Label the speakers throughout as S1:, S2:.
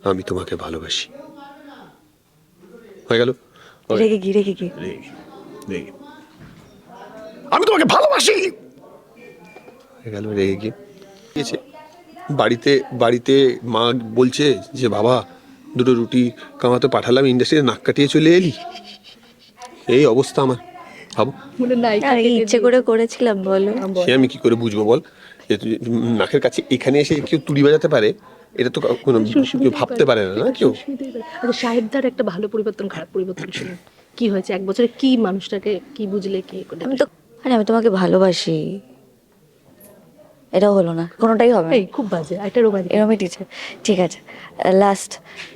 S1: আমি তোমাকে ভালোবাসি। হয়ে গেল।
S2: রেগে কি রেগে কি
S1: রেগে। আমি তোমাকে ভালোবাসি। হয়ে গেল রেগে কি। বাড়িতে বাড়িতে মা বলছে যে বাবা দুটো রুটি কামাতে পাঠালাম, ইন্ডাস্ট্রিতে নাক কাটিয়ে চলে এলি। এই অবস্থা আমার, ভাবো।
S2: আর ইচ্ছে করে করেছিলাম বলো।
S1: সে আমি কি করে বুঝবো বল, যে নাকের কাছে এখানে এসে কেউ তুড়ি বাজাতে পারে? এটা তো কোনো কেউ ভাবতে পারে না, না কেউ।
S3: আচ্ছা, সাহেবদার একটা ভালো পরিবর্তন খারাপ পরিবর্তন শুনুন। কি হয়েছে এক বছরে, কি মানুষটাকে কি বুঝলে, কি করে?
S2: আমি তোমাকে ভালোবাসি, এটাও হলো না, কোনোটাই হবে না।
S3: এই খুব বাজে, এটা রোমান্টিক।
S2: এরমই টিচার। ঠিক আছে, লাস্ট।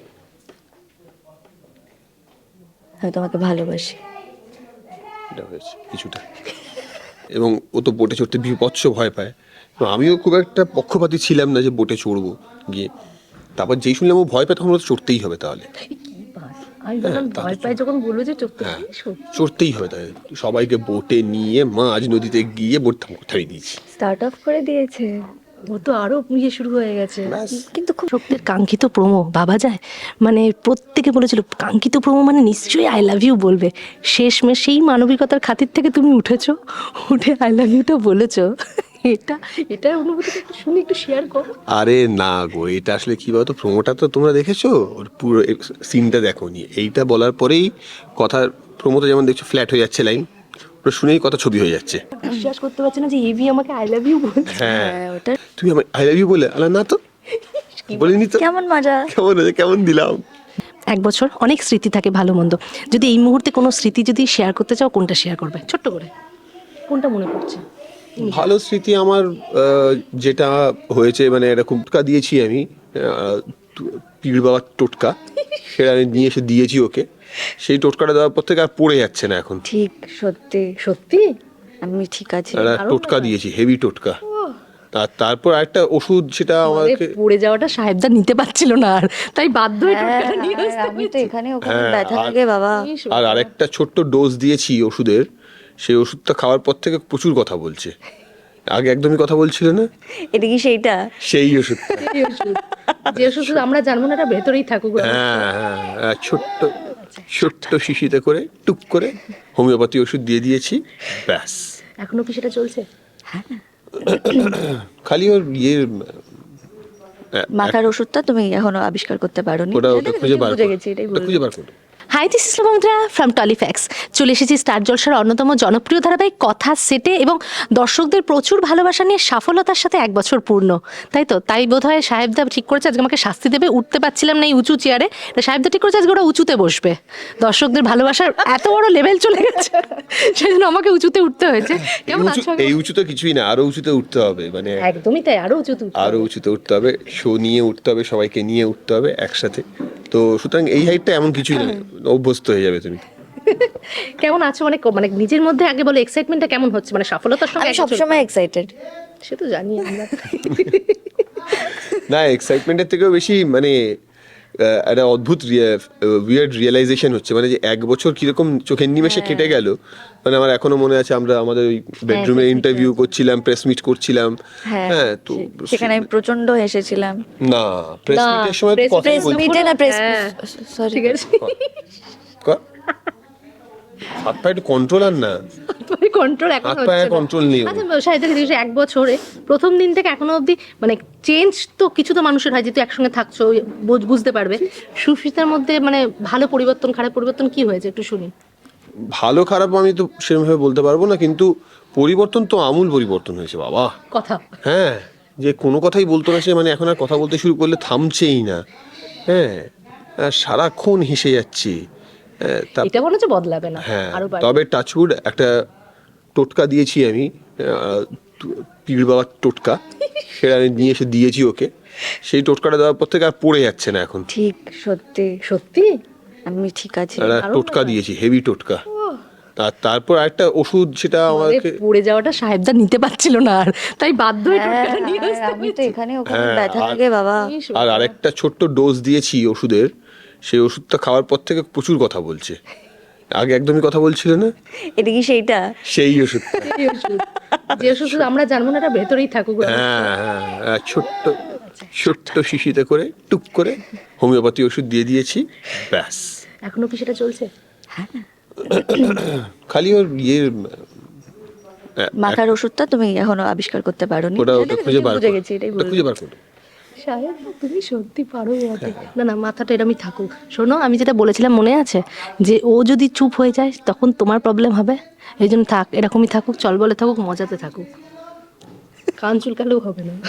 S2: আমি তোমাকে ভালোবাসি।
S1: এটা হয়েছে কিছুটা। এবং ও তো বোটে চড়তে বিভৎস ভয় পায়। আমিও খুব একটা পক্ষপাতী ছিলাম না যে বোটে চড়বো গিয়ে। তারপর যেই শুনলাম ও ভয় পায়, তখন তো চড়তেই হবে তাহলে।
S3: আমি যখন ভয় পাই, যখন বলবো যে চড়তে,
S1: হ্যাঁ, চড়তেই হবে তাহলে। সবাইকে বোটে নিয়ে মাঝ নদীতে গিয়ে বোট থামিয়ে দিয়েছি।
S2: স্টার্ট অফ করে দিয়েছে।
S3: ও তো আরো ইয়ে শুরু হয়ে গেছে।
S2: কিন্তু খুব
S3: শক্তির কাঙ্ক্ষিত প্রোমো ভাবা যায়? মানে প্রত্যেকে বলেছিল কাঙ্ক্ষিত প্রোমো মানে নিশ্চয়ই আই লাভ ইউ বলবে। শেষমেশ সেই মানবিকতার খাতির থেকে তুমি উঠেছো, উঠে আই লাভ ইউটা বলেছো। এটা এটার অনুভূতিটা একটু শুনি, একটু শেয়ার করো।
S1: আরে না গো, এটা আসলে কি বলতো, প্রোমোটা তো তোমরা দেখেছো, ওর পুরো সিনটা দেখো নি। এইটা বলার পরেই কথার প্রোমোতে যেমন দেখছো ফ্ল্যাট হয়ে যাচ্ছে লাইন, ওটা শুনেই কথা ছবি হয়ে যাচ্ছে।
S3: বিশ্বাস করতে পারছি না যে এবি আমাকে আই লাভ ইউ বলছে।
S1: হ্যাঁ,
S2: ওটা
S1: তুমি আমার আই লাভ ইউ বলে আলা না তো বলিনি তো।
S2: কেমন মজা।
S1: কেমন হয়েছে, কেমন দিলাম।
S3: এক বছর অনেক স্মৃতি থাকে ভালো মন্দ, যদি এই মুহূর্তে কোনো স্মৃতি যদি শেয়ার করতে চাও, কোনটা শেয়ার করবে ছোট্ট করে? কোনটা মনে পড়ছে?
S1: ভালো স্মৃতি আমার যেটা হয়েছে, মানে এরকম টোটকা দিয়েছি আমি, পীর বাবার টোটকা, সেটা আমি নিয়ে এসে দিয়েছি ওকে। সেই টোটকাটা দেওয়ার পর থেকে আর পড়ে যাচ্ছে না এখন।
S2: ঠিক, সত্যি
S3: সত্যি
S2: আমি ঠিক আছি।
S1: একটা টোটকা দিয়েছি, হেভি টোটকা। আর তারপর আরেকটা ওষুধ, সেটা আমাকে
S3: পড়ে যাওয়াটা সাহেবদা নিতে পারছিল না আর, তাই বাধ্য হয়ে টোটকাটা নিয়ে আসতে
S2: আমি তো
S3: হয়েছে।
S2: এখানে ওখানে
S1: হ্যাঁ,
S2: ব্যথা লাগে বাবা।
S1: আর আরেকটা ছোট্ট ডোজ দিয়েছি ওষুধের। সেই ওষুধটা খাওয়ার পর থেকে প্রচুর কথা বলছে, আগে একদমই কথা বলছিল না।
S2: এটা কি সেইটা?
S1: সেই ওষুধ।
S3: এই ওষুধ, যে ওষুধ আমরা জানবো না, এটা ভেতরেই থাকুক।
S1: হ্যাঁ হ্যাঁ, ছোট্ট ছোট্ট শিশিতে করে টুক করে হোমিওপ্যাথি ওষুধ দিয়ে দিয়েছি, ব্যাস।
S3: এখনো কি সেটা চলছে?
S1: খালি ওর
S2: মাথার ওষুধটা তুমি এখনো আবিষ্কার করতে পারোনি।
S1: ওটা খুঁজে বার
S2: বুঝে গেছি, এটাই
S1: ওটা খুঁজে বার করো।
S3: হাই, দিস ইজ লোমন্দ্রা ফ্রম টলিফ্যাক্স। চলে এসেছি স্টার জলসার অন্যতম জনপ্রিয় ধারাবাহিক কথা সেটে, এবং দর্শকদের প্রচুর ভালোবাসা নিয়ে সফলতার সাথে এক বছর পূর্ণ, তাই তো? তাই বোধহয় সাহেবদা ঠিক করেছে আজকে আমাকে শাস্তি দেবে। উঠতে পারছিলাম না এই উঁচু চেয়ারে, সাহেবদা ঠিক করেছে আজকে ওরা উঁচুতে বসবে। দর্শকদের ভালোবাসার এত বড় লেভেল চলে গেছে, সেই জন্য আমাকে উঁচুতে উঠতে হয়েছে। কেমন আছো?
S1: এই উঁচু তো কিছুই না, আরো উঁচুতে উঠতে হবে, মানে
S3: একদমই তাই, আরো উঁচুতে
S1: আরো উঁচুতে উঠতে হবে, শো নিয়ে উঠতে হবে, সবাইকে নিয়ে উঠতে হবে একসাথে। তো সুতরাং এই হাইটটা এমন কিছুই না, অভ্যস্ত হয়ে যাবে তুমি।
S3: কেমন আছো? মানে মানে নিজের মধ্যে আগে বলো, এক্সাইটমেন্টটা কেমন হচ্ছে, মানে সফলতার সঙ্গে?
S2: আমি সবসময় এক্সাইটেড।
S3: সে তো জানি আমরা।
S1: না, এক্সাইটমেন্টের থেকেও বেশি মানে একটা অদ্ভুত উইয়ার্ড রিয়েলাইজেশন হচ্ছে, মানে যে এক বছর কিরকম চোখের নিমেষে কেটে গেল। মানে আমার এখনো মনে আছে, আমরা আমাদের ওই বেডরুমে ইন্টারভিউ করছিলাম, প্রেস মিট করছিলাম। হ্যাঁ, তো
S2: সেখানে আমি প্রচন্ড হেসেছিলাম।
S1: না, প্রেস মিটের সময় তো কথাই
S2: প্রেস
S1: বলছি।
S2: মিটে না, প্রেস সরি।
S3: ঠিক আছে,
S1: হাত পা একটু কন্ট্রোল আর না,
S3: কন্ট্রোল এখন
S1: হাত
S3: হচ্ছে
S1: পায়ে
S3: না।
S1: কন্ট্রোল নেই।
S3: আচ্ছা সাহিত্য দিবসে এক বছরে প্রথম দিন থেকে এখনো অবধি মানে চেঞ্জ তো কিছু তো মানুষের হয়, যেহেতু একসঙ্গে থাকছো বুঝতে পারবে। সুস্মিতার মধ্যে মানে ভালো পরিবর্তন খারাপ পরিবর্তন কি হয়েছে একটু শুনি।
S1: ভালো খারাপ আমি তো সেরকমভাবে বলতে পারবো না, কিন্তু পরিবর্তন তো আমূল পরিবর্তন হয়েছে বাবা।
S3: কথা
S1: হ্যাঁ, যে কোনো কথাই বলতো না সে, মানে এখন আর কথা বলতে শুরু করলে থামছেই না। হ্যাঁ, আর সারাক্ষণ হেসে যাচ্ছে।
S3: এটা মনে হচ্ছে বদলাবে না,
S1: হ্যাঁ,
S3: আরো বাড়বে।
S1: তবে টাচউড একটা টোটকা দিয়েছি আমি, পীর বাবার টোটকা, সেটা আমি নিয়ে এসে দিয়েছি ওকে। সেই টোটকাটা দেওয়ার পর থেকে আর পড়ে যাচ্ছে না এখন।
S2: ঠিক, সত্যি
S3: সত্যি
S2: আমি ঠিক আছি।
S1: একটা টোটকা দিয়েছি, হেভি টোটকা। আর তারপর আরেকটা ওষুধ, সেটা আমাকে
S3: পড়ে যাওয়াটা সাহেবদা নিতে পারছিল না আর, তাই বাধ্য হয়ে টোটকাটা নিয়ে আসতে
S2: আমি তো
S3: হয়েছে।
S2: এখানে ওখানে ব্যথা লাগে বাবা।
S1: আর আরেকটা ছোট্ট ডোজ দিয়েছি ওষুধের। সেই ওষুধটা খাওয়ার পর থেকে প্রচুর কথা বলছে, আগে একদমই কথা বলছিল না।
S2: এটা কি সেইটা?
S1: সেই ওষুধ।
S3: এই ওষুধ, যে ওষুধ আমরা জানবো না, এটা ভেতরেই থাকুক।
S1: হ্যাঁ হ্যাঁ, ছোট্ট ছোট্ট শিশিতে করে টুক করে হোমিওপ্যাথি ওষুধ দিয়ে দিয়েছি, ব্যাস।
S3: এখনো কি সেটা চলছে?
S1: খালি ওর
S2: মাথার ওষুধটা তুমি এখনো আবিষ্কার করতে পারোনি।
S1: ওটা খুঁজে বার
S2: বুঝে গেছি, এটাই বলবো।
S1: খুঁজে বার করো।
S3: সাহেব তুমি সত্যি পারো বটে। না না, মাথাটা এরমই থাকুক। শোনো, আমি যেটা বলেছিলাম মনে আছে, যে ও যদি চুপ হয়ে যায় তখন তোমার প্রবলেম হবে। এই জন্য থাক, এরকমই থাকুক, চল বলে থাকুক, মজাতে থাকুক, কান চুলকালেও হবে না।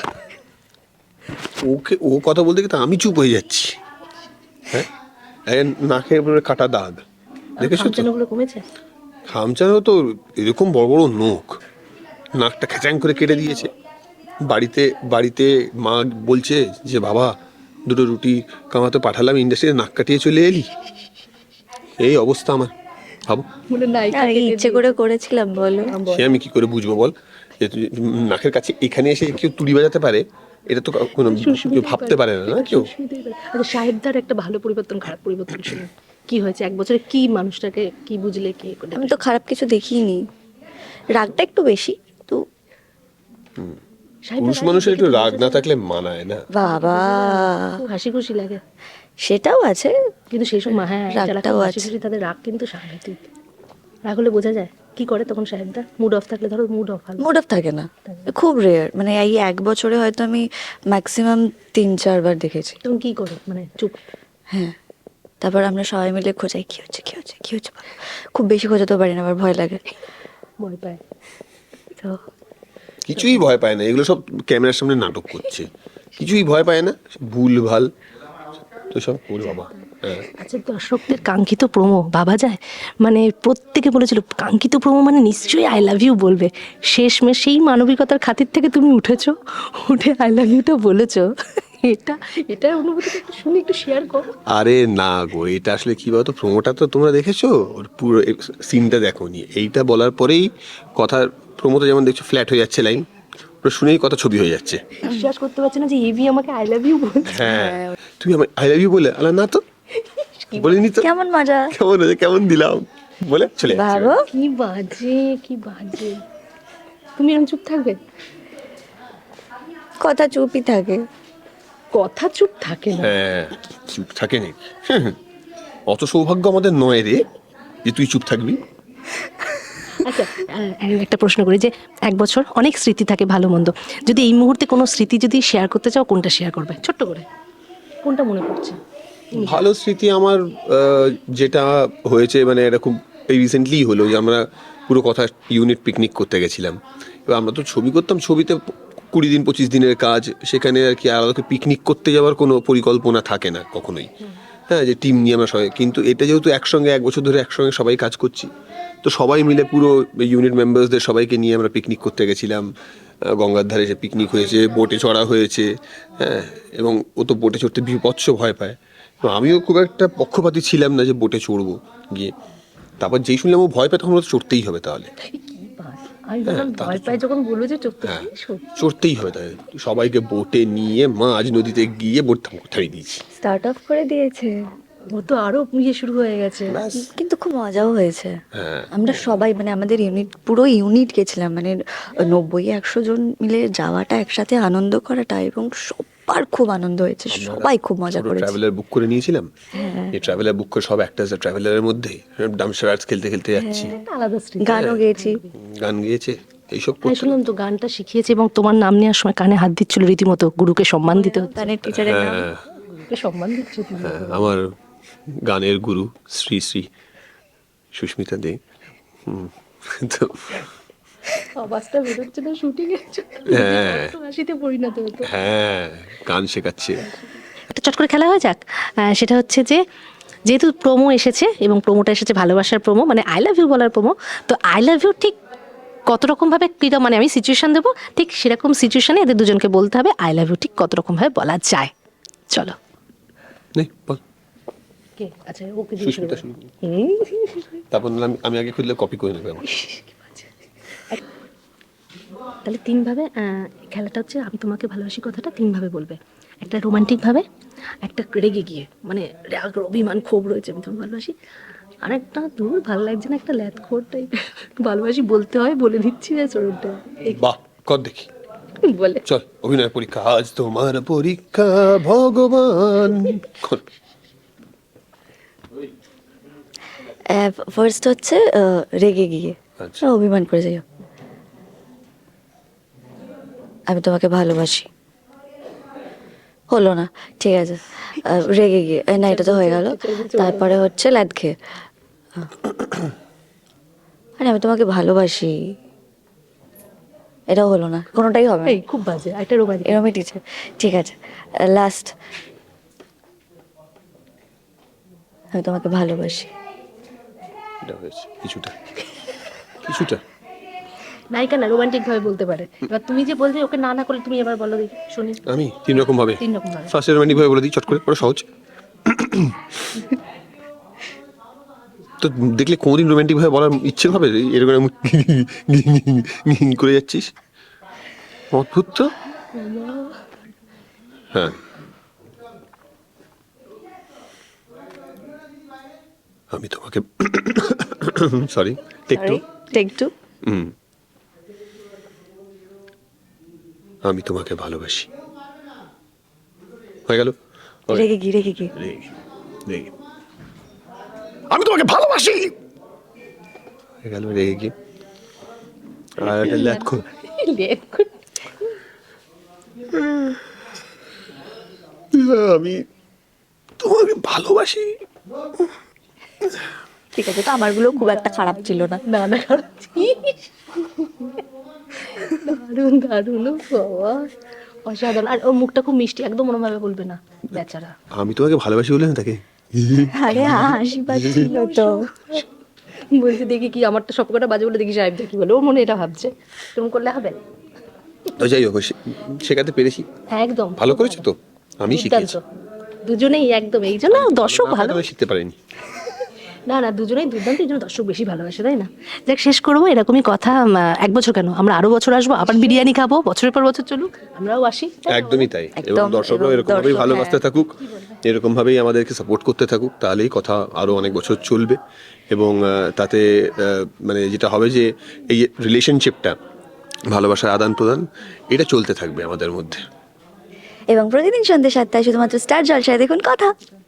S1: ও কথা বলতে গিয়ে তো আমি চুপ হয়ে যাচ্ছি। হ্যাঁ, নাকের উপরে কাটা দাগ দেখেছো তো?
S3: খামচানোগুলো কমেছে?
S1: খামচানো তো এরকম বড় বড় নখ, নাকটা খেচাং করে কেটে দিয়েছে। বাড়িতে বাড়িতে মা বলছে যে বাবা দুটো রুটি কামাতে পাঠালাম, ইন্ডাস্ট্রিতে নাক কাটিয়ে চলে এলি। এই অবস্থা আমার, ভাবো।
S3: বলে নাই,
S2: আর কি ইচ্ছে করে করেছিলাম বলো?
S1: সে আমি কি করে বুঝবো বল, যে নাকের কাছে এখানে এসে কেউ তুড়ি বাজাতে পারে? এটা তো কোনো কেউ ভাবতে পারে না, না কেউ।
S3: আচ্ছা, সাহেবদার একটা ভালো পরিবর্তন, খারাপ পরিবর্তন শুনুন। কি হয়েছে 1 বছরে? কি মানুষটাকে কি বুঝলে, কি করে?
S2: আমি তো খারাপ কিছু দেখিনি, রাগটা একটু বেশি তো।
S1: পুরুষ মানুষের একটু রাগ না থাকলে মানায় না।
S2: বাবা,
S3: খুব হাসি খুশি লাগে,
S2: সেটাও আছে।
S3: কিন্তু সেই সময় হ্যাঁ, যারা
S2: রাগটাও
S3: খুব হাসি
S2: আছে।
S3: খুশি তাদের রাগ কিন্তু সাংঘাতিক। রাগ হলে বোঝা যায়। কি করে তখন সাহেবদা? মুড অফ থাকলে, ধরো মুড অফ হলো,
S2: মুড অফ থাকে না, খুব রেয়ার। মানে এই 1 বছরে হয়তো আমি ম্যাক্সিমাম 3-4 বার দেখেছি।
S3: তখন কি করে? মানে চুপ?
S2: হ্যাঁ, তারপর আমরা সবাই মিলে খোঁজাই, কি হচ্ছে কি হচ্ছে কি হচ্ছে। খুব বেশি খোঁজাতেও পারি না, আবার ভয় লাগে
S3: ভয় পায়
S2: তো।
S1: কিছুই ভয় পায় না, এগুলো সব ক্যামেরার সামনে নাটক করছে, কিছুই ভয় পায় না, ভুল ভাল তো সব ওর বাবা। হ্যাঁ,
S3: আচ্ছা, দর্শকদের কাঙ্ক্ষিত প্রোমো ভাবা যায়? মানে প্রত্যেকে বলেছিল কাঙ্ক্ষিত প্রোমো মানে নিশ্চয়ই আই লাভ ইউ বলবে। শেষমেশ সেই মানবিকতার খাতির থেকে তুমি উঠেছো, উঠে আই লাভ ইউটা বলেছো। এটা এটা অনুভূতিটা একটু শুনি, একটু শেয়ার করো।
S1: আরে না গো, এটা আসলে কি বলতো, প্রোমোটা তো তোমরা দেখেছো, ওর পুরো সিনটা দেখোনি। এইটা বলার পরেই কথার প্রোমোতে যেমন দেখছো ফ্ল্যাট হয়ে যাচ্ছে লাইন, ওটা শুনেই কথা ছবি হয়ে যাচ্ছে।
S3: বিশ্বাস করতে পারছি না যে এবি আমাকে আই লাভ ইউ বলছে।
S1: হ্যাঁ, তুমি আমার আই লাভ ইউ বলে আলা না তো বলিনি তো,
S2: কেমন মজা,
S1: কেমন হয়েছে, কেমন দিলাম বলে চলে যাচ্ছে।
S2: ভাবো।
S3: কি বাজে, কি বাজে। তুমি এরকম চুপ থাকবে?
S2: কথা চুপই থাকে।
S3: কথা চুপ থাকে না।
S1: হ্যাঁ, চুপ থাকে নি। অত সৌভাগ্য আমাদের নয় রে যে তুই চুপ থাকবি।
S3: আচ্ছা, একটা প্রশ্ন করি, যে 1 বছর অনেক স্মৃতি থাকে ভালো মন্দ, যদি এই মুহূর্তে কোনো স্মৃতি যদি শেয়ার করতে চাও, কোনটা শেয়ার করবে ছোট্ট করে? কোনটা মনে পড়ছে?
S1: ভালো স্মৃতি আমার যেটা হয়েছে, মানে এটা খুব রিসেন্টলি হলো, যে আমরা পুরো কথা ইউনিট পিকনিক করতে গেছিলাম। এবার আমরা তো ছবি করতাম, ছবিতে 20 দিন 25 দিনের কাজ, সেখানে আর কি আলাদা করে পিকনিক করতে যাওয়ার কোনো পরিকল্পনা থাকে না কখনোই। হ্যাঁ, যে টিম নিয়ে আমরা সবাই, কিন্তু এটা যেহেতু একসঙ্গে 1 বছর ধরে একসঙ্গে সবাই কাজ করছি, তো সবাই মিলে পুরো ইউনিট মেম্বার্সদের সবাইকে নিয়ে আমরা পিকনিক করতে গেছিলাম। গঙ্গার ধারে সে পিকনিক হয়েছে, বোটে চড়া হয়েছে। হ্যাঁ, এবং ও তো বোটে চড়তে বিভৎস ভয় পায়, তো আমিও খুব একটা পক্ষপাতী ছিলাম না যে বোটে চড়বো গিয়ে। তারপর যেই শুনলাম ও ভয় পায়, তখন ওর তো চড়তেই হবে তাহলে।
S3: কি বাজ, আমি যখন ভয় পাই যখন বলবো যে চুপ
S1: হ্যাঁ,
S3: থাকবে,
S1: চড়তেই হবে তাহলে। সবাইকে বোটে নিয়ে মাঝ নদীতে গিয়ে বোট থামিয়ে দিয়েছি।
S2: স্টার্ট অফ করে দিয়েছে,
S3: ও তো আরো ইয়ে শুরু হয়ে গেছে।
S1: ব্যাস।
S2: কিন্তু খুব মজাও হয়েছে।
S1: হ্যাঁ,
S2: আমরা সবাই মানে আমাদের ইউনিট, পুরো ইউনিট গেছিলাম, মানে 90-100 জন মিলে যাওয়াটা, একসাথে আনন্দ করাটা, এবং সবার খুব আনন্দ হয়েছে, সবাই খুব মজা করেছে।
S1: ট্রাভেলার বুক করে নিয়েছিলাম, এই ট্রাভেলার বুক করে সব অ্যাক্টার্স ট্রাভেলারের মধ্যে ডামসারার্স খেলতে খেলতে যাচ্ছি,
S3: একটা আলাদা স্মৃতি।
S2: গানও গেয়েছি।
S1: গান গেয়েছে, এইসব
S3: হ্যাঁ,
S1: করতে।
S3: শুনলাম তো গানটা শিখিয়েছে, এবং তোমার নাম নেওয়ার সময় কানে হাত দিচ্ছিল রীতিমতো, গুরুকে সম্মান দিতে হচ্ছে।
S2: গানের টিচারের নাম
S1: হ্যাঁ,
S3: গুরুকে সম্মান দিচ্ছে তুমি।
S1: হ্যাঁ, আমার গানের গুরু শ্রী শ্রী সুস্মিতা দে। তো
S3: আওয়াজটা বেরোচ্ছে না শুটিং এর জন্য,
S1: হ্যাঁ।
S3: হাসিতে পরিণত হতো।
S1: হ্যাঁ, গান শেখাচ্ছে।
S3: একটা চট করে খেলা হয়ে যাক। সেটা হচ্ছে যে, যেহেতু প্রোমো এসেছে এবং প্রোমোটা এসেছে ভালোবাসার প্রোমো, মানে আই লাভ ইউ বলার প্রোমো, তো আই লাভ ইউ ঠিক কত রকমভাবে কীরকম, মানে আমি সিচুয়েশন দেবো, ঠিক সেরকম সিচুয়েশনে এদের দুজনকে বলতে হবে আই লাভ ইউ ঠিক কত রকমভাবে বলা যায়। চলো।
S1: নে বল,
S3: কে? আচ্ছা, ওকে
S1: সুস্মিতা শুরু করো। তারপর নাহলে আমি আগে খুঁজলে কপি করে নেবে আমার।
S3: তাহলে 3 ভাবে খেলাটা হচ্ছে, আমি তোমাকে ভালোবাসি কথাটা 3 ভাবে বলবে। একটা রোমান্টিক ভাবে, একটা রেগে গিয়ে, মানে রাগ অভিমান ক্ষোভ রয়েছে, আমি তোমাকে ভালোবাসি। আর একটা দূর ভালো লাগছে না, একটা ল্যাথখোর টাইপ ভালোবাসি বলতে হয়, বলে দিচ্ছি, ব্যাস ওটা।
S1: বাহ, কর দেখি।
S3: বলে
S1: চল অভিনয় পরীক্ষা, আজ তোমার পরীক্ষা ভগবান।
S2: ফার্স্ট হচ্ছে রেগে গিয়ে
S1: আচ্ছা।
S2: অভিমান করে যাইও, আমি তোমাকে ভালোবাসি। হলো না, ঠিক আছে। রেগে গিয়ে না, এটা তো হয়ে গেল। তারপরে হচ্ছে ল্যাদ খেয়ে, আরে আমি তোমাকে ভালোবাসি, এটাও হলো না, কোনোটাই হবে না।
S3: এই খুব বাজে, একটা রোমান্টিক।
S2: এরমই টিচার, ঠিক আছে। লাস্ট, আমি তোমাকে ভালোবাসি।
S1: এটা হয়েছে কিছুটা কিছুটা।
S3: নায়িকা না রোমান্টিক ভাবে বলতে পারে। এবার তুমি যে বলছো ওকে না না করলে, তুমি এবার বলো দেখি শুনি।
S1: আমি 3 রকম ভাবে,
S3: 3 রকম ভাবে।
S1: ফার্স্ট রোমান্টিক ভাবে বলে দিই চট করে, বড় সহজ। তো দেখলে কোনদিন রোমান্টিক ভাবে বলার ইচ্ছে হবে? এরকম করে যাচ্ছিস, অদ্ভুত তো। হ্যাঁ, আমি তোমাকে sorry take two.
S2: Take two.
S1: আমি তোমাকে ভালোবাসি, হয়ে গেল।
S2: রেগে গিয়ে, রেগে গিয়ে,
S1: আমি তোমাকে ভালোবাসি, হয়ে গেল রেগে গিয়ে। আর একটা ল্যাদ খো। আমি তোমাকে ভালোবাসি।
S2: ঠিক আছে। তো আমারগুলো খুব একটা খারাপ ছিল না।
S3: না না দারুণ দারুণ, ও বাবা অসাধারণ। আর ওর মুখটা খুব মিষ্টি, একদম মনোভাবে বলবে না বেচারা।
S1: আমি তোমাকে ভালোবাসি বলে না তাকে।
S2: আরে হাসি পাচ্ছিল তো।
S3: বলছে দেখি কি, আমার তো সবকটা বাজে বলে দেখি সাহেব কি বলে, ওর মনে এটা ভাবছে। তুমি করলে হবে।
S1: তো যাই হোক, শেখাতে পেরেছি,
S3: হ্যাঁ একদম
S1: ভালো করেছো তো, আমি
S3: দুর্দান্ত।
S1: শিখেছি।
S3: দুজনেই একদম, এই জন্য দর্শক ভালো।
S1: আমি শিখতে পারিনি।
S3: না না দুজনেই দুর্দান্ত, এই জন্য দর্শক বেশি ভালোবাসে, তাই না? যাক, শেষ করবো এরকমই কথা। 1 বছর কেন, আমরা আরো বছর আসবো, আবার বিরিয়ানি খাবো, বছরের পর বছর চলুক, আমরাও আসি।
S1: একদমই তাই। এবং
S2: একদম,
S1: দর্শকরাও
S2: এবং
S1: এরকম ভাবেই
S2: দর্শক,
S1: ভালোবাসতে
S2: হ্যাঁ।
S1: থাকুক, এরকম ভাবেই আমাদেরকে সাপোর্ট করতে থাকুক, তাহলেই কথা আরো অনেক বছর চলবে। এবং তাতে মানে যেটা হবে যে এই রিলেশনশিপটা, ভালোবাসার আদান প্রদান, এটা চলতে থাকবে আমাদের মধ্যে।
S2: এবং প্রতিদিন সন্ধ্যে 7টায় শুধুমাত্র স্টার জলসায় দেখুন কথা।